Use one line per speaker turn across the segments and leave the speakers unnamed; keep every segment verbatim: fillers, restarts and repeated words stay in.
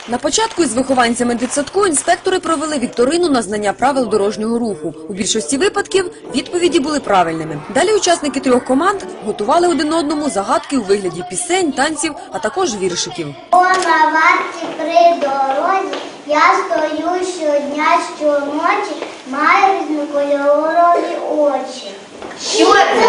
На початку із вихованцями дитсадку інспектори провели вікторину на знання правил дорожнього руху. У більшості випадків відповіді були правильними. Далі учасники трьох команд готували один одному загадки у вигляді пісень, танців, а також віршиків.
О, на варті при дорозі я стою щодня, щоночі, маю різнокольорові очі.
Що це?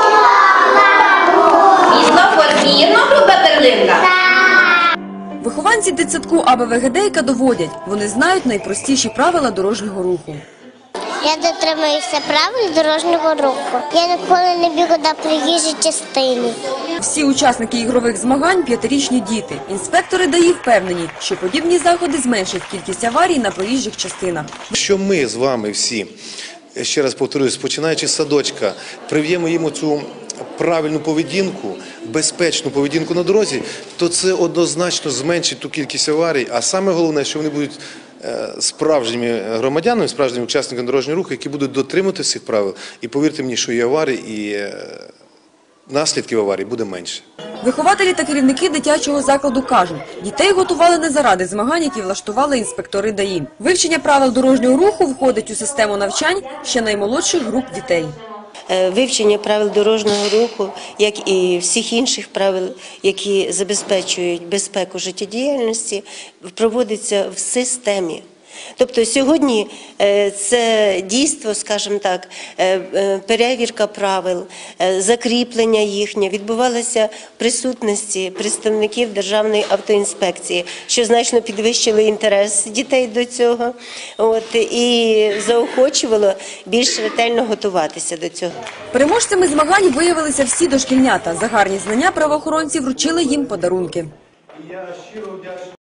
Світлофор вірно, груба перлинка?
Вихованці дитсадку А Б В Гедейка доводять, вони знають найпростіші правила дорожнього руху.
Я дотримуюся правил дорожнього руху. Я ніколи не бігу на проїжджій частині.
Всі учасники ігрових змагань – п'ятирічні діти. Інспектори ДАІ впевнені, що подібні заходи зменшать кількість аварій на проїжджих частинах.
Що ми з вами всі, ще раз повторюсь, починаючи з садочка, прив'ємо їм цю правильну поведінку, безпечну поведінку на дорозі, то це однозначно зменшить ту кількість аварій. А саме головне, що вони будуть справжніми громадянами, справжніми учасниками дорожнього руху, які будуть дотримуватися цих правил. І повірте мені, що і аварій, і наслідків аварій буде менше.
Вихователі та керівники дитячого закладу кажуть, дітей готували не заради змагань, які влаштували інспектори ДАІ. Вивчення правил дорожнього руху входить у систему навчань ще наймолодших груп дітей.
Вивчення правил дорожнього руху, як і всіх інших правил, які забезпечують безпеку життєдіяльності, проводиться в системі. Тобто сьогодні це дійство, скажімо так, перевірка правил, закріплення їхнє відбувалося в присутності представників Державної автоінспекції, що значно підвищило інтерес дітей до цього от, і заохочувало більш ретельно готуватися до цього.
Переможцями змагань виявилися всі дошкільнята. За гарні знання правоохоронці вручили їм подарунки.